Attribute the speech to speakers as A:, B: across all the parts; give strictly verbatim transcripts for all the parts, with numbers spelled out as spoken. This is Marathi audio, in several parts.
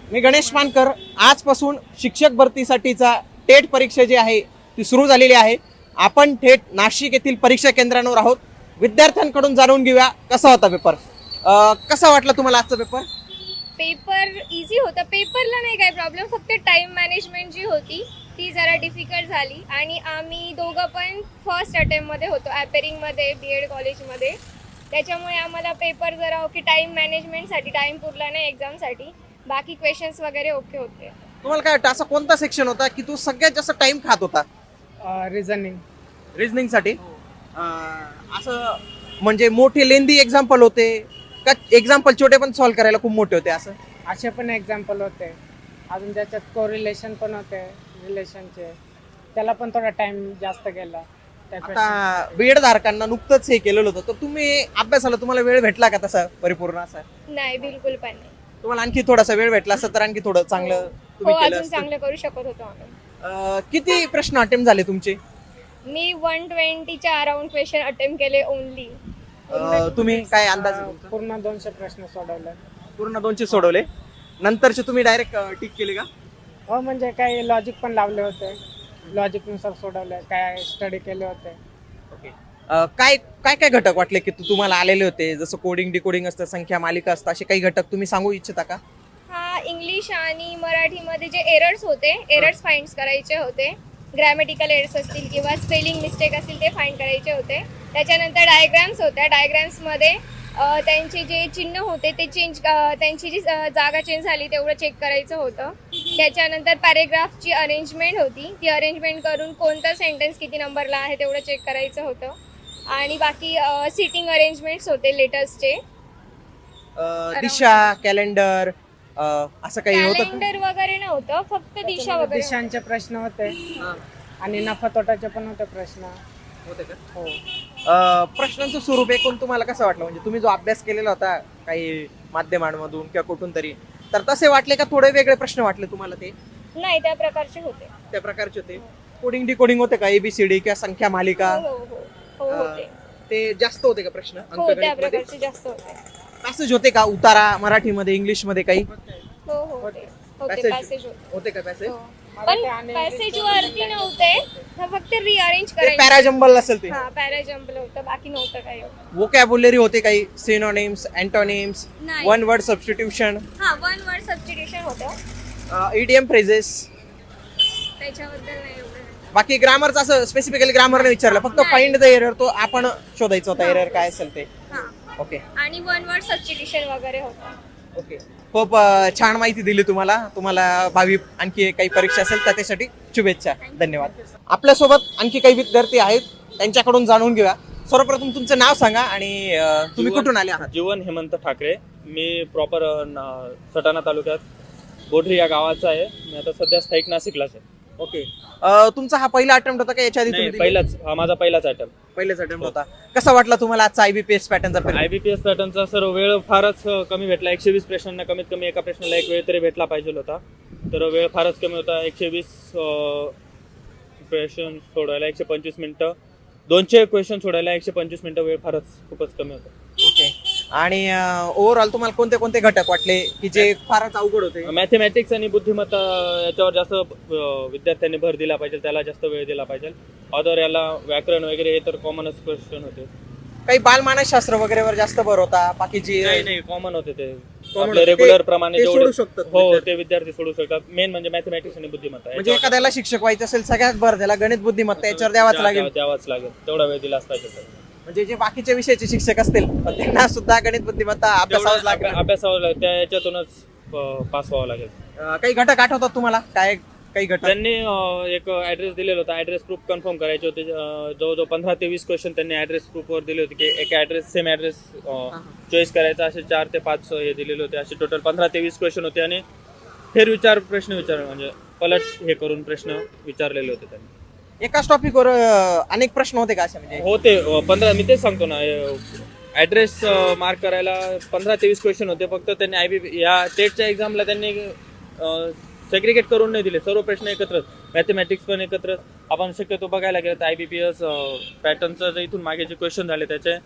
A: मी गणेश मानकर. आजपासून शिक्षक भरतीसाठीचा टेट परीक्षा जी आहे ती सुरू झालेली आहे. आपण थेट नाशिक येथील परीक्षा केंद्रांवर आहोत. विद्यार्थ्यांकडून जाणून घेऊया कसा होता पेपर. अं, कसा वाटला तुम्हाला आजचा पेपर?
B: पेपर इझी होता. पेपरला नाही काय प्रॉब्लेम, फक्त टाइम मॅनेजमेंट जी होती ती जरा डिफिकल्ट झाली. आणि आम्ही दोघं पण फर्स्ट अटेम्प्टमध्ये होतो ॲपेरिंगमध्ये बी एड कॉलेजमध्ये, त्याच्यामुळे आम्हाला पेपर जरा ओके, टाईम मॅनेजमेंटसाठी टाईम पुरला नाही एक्झामसाठी. बाकी क्वेश्चन्स वगैरे ओके होते.
A: तुम्हाला काय वाटतं असा कोणता सेक्शन होता की तो सगळ्यात जास्त टाइम खात होता?
C: रिझनिंग.
A: रिझनिंग साठी असं म्हणजे मोठे लेंदी एक्झाम्पल होते का एक्झाम्पल छोटे पण सॉल्व्ह करायला खूप मोठे होते असं?
C: असे पण एक्झाम्पल होते. अजून त्याच्यात कोरिलेशन पण होते रिलेशनचे, त्याला पण थोडा टाइम जास्त गेला.
A: आता बीएड धारकांना नुकतंच हे केलेलं होतं, तर तुम्ही अभ्यासाला तुम्हाला वेळ भेटला का तसा परिपूर्ण असा?
B: नाही, बिलकुल पण नाही.
A: तुम्हाला आणखी थोडासा वेळ भेटला असता तर आणखी थोडं चांगलं
B: हो,
A: तुम्ही केलं
B: अजून
A: असतं.
B: चांगलं करू शकत होतो आम्ही.
A: अं, किती प्रश्न अटेम्प्ट झाले तुमचे?
B: मी वन ट्वेंटीच्या अराउंड क्वेश्चन अटेम्प्ट केले ओनली.
A: अं, तुम्ही काय अंदाज आहे तुमचा?
C: पूर्ण दोनशे प्रश्न सोडवले.
A: पूर्ण दोनशे सोडवले. नंतरचे तुम्ही डायरेक्ट टिक केले का?
C: हो, म्हणजे काही लॉजिक पण लावले होते, लॉजिक नुसार सोडवले, काय स्टडी केले होते.
A: ओके. काय काय काय घटक वाटले की तु- तुम्हाला आलेले होते? जसं कोडिंग डिकोडिंग असतं, संख्या मालिका असतं, असे काही घटक तुम्ही सांगू इच्छिता का?
B: हा, इंग्लिश आणि मराठीमध्ये जे एरर्स होते, एरर्स फाइंड करायचे होते. ग्रॅमॅटिकल एरर्स असतील किंवा स्पेलिंग मिस्टेक असतील ते फाइंड करायचे होते. त्याच्यानंतर डायग्राम्स होत्या. डायग्राम्समध्ये त्यांचे जे चिन्ह होते ते चेंज, त्यांची जी अ, जागा चेंज झाली तेवढं चेक करायचं होतं. त्याच्यानंतर पॅरेग्राफची अरेंजमेंट होती, ती अरेंजमेंट करून कोणता सेंटेन्स किती नंबरला आहे तेवढं चेक करायचं होतं. आणि बाकी सिटिंग अरेंजमेंट्स होते लेटर्सचे.
A: अं, दिशा, कॅलेंडर असं काही होतं का?
B: कॅलेंडर वगैरे नव्हतं, फक्त दिशा वगैरे.
C: दिशांचे प्रश्न होते
A: हां.
C: आणि नफा तोटाचे पण होते प्रश्न.
A: होते का?
C: हो.
A: अं, प्रश्नांचं स्वरूप एकूण तुम्हाला कसं वाटलं? म्हणजे तुम्ही जो अभ्यास केलेला होता काही माध्यमांमधून किंवा कुठून तरी, तर तसे वाटले का थोडे वेगळे प्रश्न वाटले तुम्हाला? ते
B: नाही, त्या प्रकारचे होते.
A: त्या प्रकारचे होते. कोडिंग डिकोडिंग होते का? एबीसीडी किंवा संख्या मालिका
B: हो हो हो हो
A: अं,
B: होते.
A: ते जास्त होते का प्रश्न
B: हो, त्या
A: अंकगणितमध्ये?
B: प्रकारचे जास्त होते.
A: पॅसेज होते का? उतारा मराठीमध्ये, इंग्लिश मध्ये काही
B: हो हो होते होते
A: Passage.
B: पॅसेज होते.
A: होते का पॅसेज?
B: हो.
C: मराठी
B: पण
C: आणि
B: पॅसेज वरती नव्हते, हा फक्त रिअरेंज
A: ते
B: करायचं.
A: पॅराजंबल असेल ते.
B: हा, पॅराजंपल होतं, बाकी नव्हतं काही.
A: वोकॅब्युलरी होते काही, सिनोनिम्स, अँटोनिम्स,
B: नाही.
A: वन वर्ड सबस्टिट्यूशन,
B: हा, वन वर्ड सबस्टिट्यूशन होतं,
A: ईडीएम फ्रेजेस.
B: त्याच्याबद्दल नाही एवढं.
A: बाकी ग्रामरचं असं स्पेसिफिकली ग्रामरने विचारलं, फक्त
B: नाही.
A: फाइंड द एरर तो आपण शोधायचा होता,
B: हा.
A: एरर काय असेल ते.
B: हा,
A: ओके
B: आणि वन वर्ड सबस्टिट्यूशन वगैरे होतं.
A: ओके. खूप अं, छान माहिती दिली तुम्हाला. तुम्हाला भावी आणखी काही परीक्षा असेल तर त्यासाठी शुभेच्छा. धन्यवाद. आपल्यासोबत आणखी काही विद्यार्थी आहेत, त्यांच्याकडून जाणून घेऊया. सर्वप्रथम तुमचं नाव सांगा आणि अं, तुम्ही
D: जीवन-
A: कुठून आले आहात?
D: जीवन हेमंत ठाकरे. मी प्रॉपर सटाणा तालुक्यात बोढरी या गावाचा आहे. मी आता सध्या स्थायिक नाशिकलाच आहे.
A: ओके. अं, तुमचा हा पहिला अटेम्प्ट होता का याच्या आधी
D: नाही,
A: तुम्ही दिले?
D: पहिलाच हा माझा पहिलाच अटेम्प्ट.
A: पहिलेच अटेम्प्ट होता. कसा वाटला तुम्हाला आजचा आयबीपीएस पॅटर्नचा पेपर?
D: आयबीपीएस पॅटर्नचा सर वेळ फारच अ, कमी भेटला. एकशे वीस प्रश्नांना कमीत कमी एका प्रश्नाला एक वेळ तरी भेटला पाहिजे होता, तर वेळ फारच कमी होता. एकशे वीस क्वेश्चन सोडवायला एकशे पंचवीस मिनिटं, दोनशे क्वेश्चन सोडायला एकशे पंचवीस मिनिटं, वेळ फारच खूपच कमी होता.
A: ओके. आणि ओव्हरऑल तुम्हाला कोणते कोणते घटक वाटले की जे फारच अवघड होते?
D: मॅथमॅटिक्स आणि बुद्धिमत्ता याच्यावर जास्त अ, विद्यार्थ्यांनी भर दिला पाहिजे, त्याला जास्त वेळ दिला पाहिजे. अदर याला व्याकरण वगैरे हे तर कॉमनच क्वेश्चन होते.
A: काही बालमानसशास्त्र वगैरेवर जास्त भर होता, बाकीची
D: नाही नाही कॉमन होते ते.
A: Common
D: आपले
A: होते.
D: रेग्युलर
A: ते-
D: प्रमाणे
A: ते
D: जेवढे-
A: सोडू शकतात
D: हो,
A: विद्यार्थी.
D: ते विद्यार्थी सोडू शकतात. मेन म्हणजे मॅथमॅटिक्स आणि बुद्धिमत्ता
A: म्हणजे
D: याच्यावर
A: एखाद्याला शिक्षक व्हायचं असेल सगळ्यात भर त्याला गणित बुद्धिमत्ता याच्यावर द्यावाच
D: द्या-
A: लागेल.
D: द्या- द्यावाच लागेल, तेवढा वेळ दिलाच पाहिजे त्याला.
A: म्हणजे जे बाकीच्या विषयाचे शिक्षक असतील पण त्यांना सुद्धा गणित बुद्धिमत्ता अभ्यासावंच
D: तेवढं
A: लागेल.
D: अभ्या- अभ्यासावं लागेल, त्या याच्यातूनच पास व्हावं लागेल.
A: अं, काही घटक आठवतात तुम्हाला? काय काही घटक?
D: त्यांनी अं, एक ऍड्रेस दिलेला होता, ऍड्रेस प्रूफ कन्फर्म करायचे होते. अं, जवळजवळ पंधरा ते वीस क्वेश्चन त्यांनी ऍड्रेस प्रूफवर दिले होते की एक ऍड्रेस सेम ऍड्रेस चॉईस करायचा. असे चार ते पाच हे दिलेले होते. असे टोटल पंधरा ते वीस क्वेश्चन होते आणि फेर विचार प्रश्न विचार म्हणजे पलट हे करून प्रश्न विचारलेले होते त्यांनी.
A: एकाच टॉपिकवर अनेक प्रश्न होते का असे? म्हणजे
D: होते अं, पंधरा, मी तेच सांगतो ना, ऍड्रेस मार्क करायला पंधरा ते वीस क्वेश्चन होते. फक्त त्यांनी आयबी या टेटच्या एक्झामला त्यांनी सेग्रिगेट करून नाही दिले, सर्व प्रश्न एकत्रच, मॅथमॅटिक्स पण एकत्रच. आपण शक्यतो बघायला गेलं तर आयबीपीएस पॅटर्नचं जे इथून मागे जे क्वेश्चन झाले त्याचे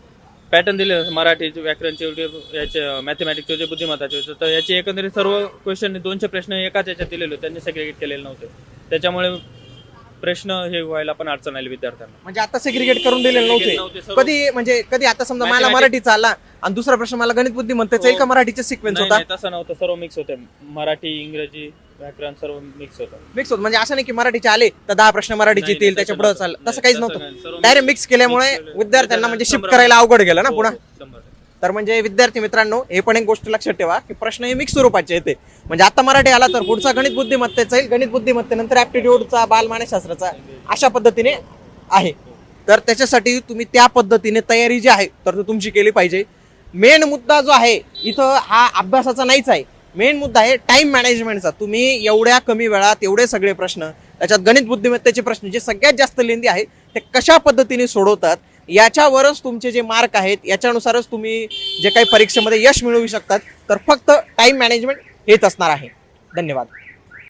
D: पॅटर्न दिले मराठी व्याकरणचे वगैरे याचे मॅथमॅटिक्सचे जे बुद्धिमत्ताचे होते तर याचे एकंदरीत सर्व क्वेश्चन दोनशे प्रश्न एकाच याच्यात दिलेले होते, त्यांनी सेग्रिगेट केलेले नव्हते. त्याच्यामुळे प्रश्न हे व्हायला पण अडचण आली विद्यार्थ्यांना.
A: म्हणजे आता सेग्रिगेट करून दिलेले
D: नव्हते,
A: नव्हते
D: सर्व-
A: कधी, म्हणजे कधी आता समजा मला
D: Mathematics-
A: मराठीचा आला आणि दुसरा प्रश्न मला गणित बुद्धिमत्तेचा येईल का मराठीचा सिक्वेन्स
D: नाही,
A: होता?
D: नाही, तसं नव्हतं, सर्व मिक्स होते. मराठी इंग्रजी व्याकरण सर्व मिक्स होतं.
A: मिक्स होत, म्हणजे असं नाही की मराठीचे आले तर दहा प्रश्न मराठीचे
D: नाही,
A: येतील
D: नाही,
A: त्याच्या
D: तसं
A: पुढे
D: नव्हतं.
A: चाललं,
D: नाही,
A: तसं काहीच
D: तसं
A: नव्हतं.
D: नाही, सर्व
A: डायरेक्ट
D: mix-
A: मिक्स केल्यामुळे
D: mix केलं.
A: विद्यार्थ्यांना म्हणजे शिफ्ट
D: शंभर-
A: करायला अवघड गेलं ना
D: हो,
A: पुन्हा.
D: हो, शंभर टक्के.
A: तर म्हणजे विद्यार्थी मित्रांनो हे पण एक गोष्ट लक्षात ठेवा की प्रश्न हे मिक्स स्वरूपाचे येते. म्हणजे आता मराठी आला तर पुढचा गणित बुद्धिमत्तेचा येईल, गणित बुद्धिमत्तेनंतर ऍप्टिट्यूडचा, बालमानसशास्त्राचा अशा पद्धतीने आहे. तर त्याच्यासाठी तुम्ही त्या पद्धतीने तयारी जी आहे तर ती तुमची केली पाहिजे. मेन मुद्दा जो आहे इथं हा अभ्यासाचा नाहीच आहे, मेन मुद्दा आहे टाइम मॅनेजमेंटचा. तुम्ही एवढ्या कमी वेळात एवढे सगळे प्रश्न, त्याच्यात गणित बुद्धिमत्तेचे प्रश्न जे सगळ्यात जास्त लेंदी आहे ते कशा पद्धतीने सोडवतात याच्यावरच तुमचे जे मार्क आहेत याच्यानुसारच तुम्ही जे काही परीक्षेमध्ये यश मिळवू शकतात. तर फक्त टाइम मॅनेजमेंट हेच असणार आहे. धन्यवाद.